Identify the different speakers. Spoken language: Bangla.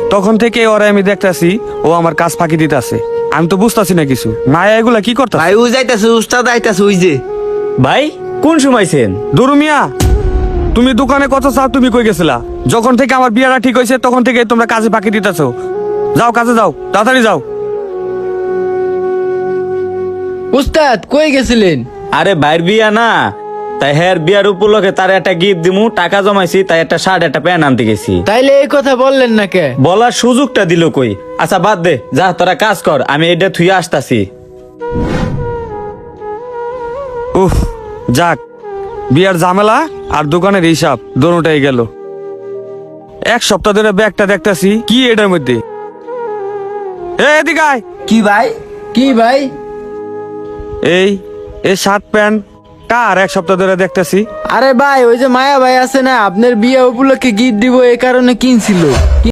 Speaker 1: তখন থেকে ওরা আমি দেখতাছি ও আমার কাজ ফাঁকি দিতেছে। আমি তো বুঝতাছি না কিছু। মায়া এগুলা কি করতাছে?
Speaker 2: ভাই ও যাইতাছে, উস্তাদ আইতাছে ওই যে।
Speaker 3: ভাই কোন সময়ছেন?
Speaker 1: দুরু মিয়া, তুমি দোকানে কত চাও? তুমি কই গেছিলা? যখন থেকে আমার বিয়াটা ঠিক হয়েছে তখন থেকে তোমরা কাজে ফাঁকি দিতেছো। যাও কাজে যাও, তাড়াতাড়ি যাও।
Speaker 4: উস্তাদ কই গেছিলেন?
Speaker 3: আরে ভাইয়ের বিয়া না, তাই হ্যার বিয়ার উপলক্ষে তার একটা গিফট দিমু, টাকা জমাইছি, তাই একটা শার্ট একটা প্যান্ট আনতে গেছি।
Speaker 4: তাইলে এই কথা বললেন না কে?
Speaker 3: বলার সুযোগটা দিল কই? আচ্ছা বাদ দে, যা তোরা কাজ কর, আমি এটা থুয়ে আসতাছি।
Speaker 1: উফ, যাক, বিয়ার ঝামেলা আর দোকানের হিসাব দোনোটাই গেল। এক সপ্তাহ ধরে ব্যাগটা দেখতাছি, কি এটার মধ্যে? এদিকে আয়।
Speaker 2: কি ভাই?
Speaker 4: কি ভাই?
Speaker 1: এই শার্ট প্যান্ট কার? এক সপ্তাহ ধরে দেখতাছি।
Speaker 4: আরে ভাই, ওই যে মায়া ভাই আছে না, আপনার বিয়ে উপলক্ষে গিফট দিব এই কারণে কিনছিল।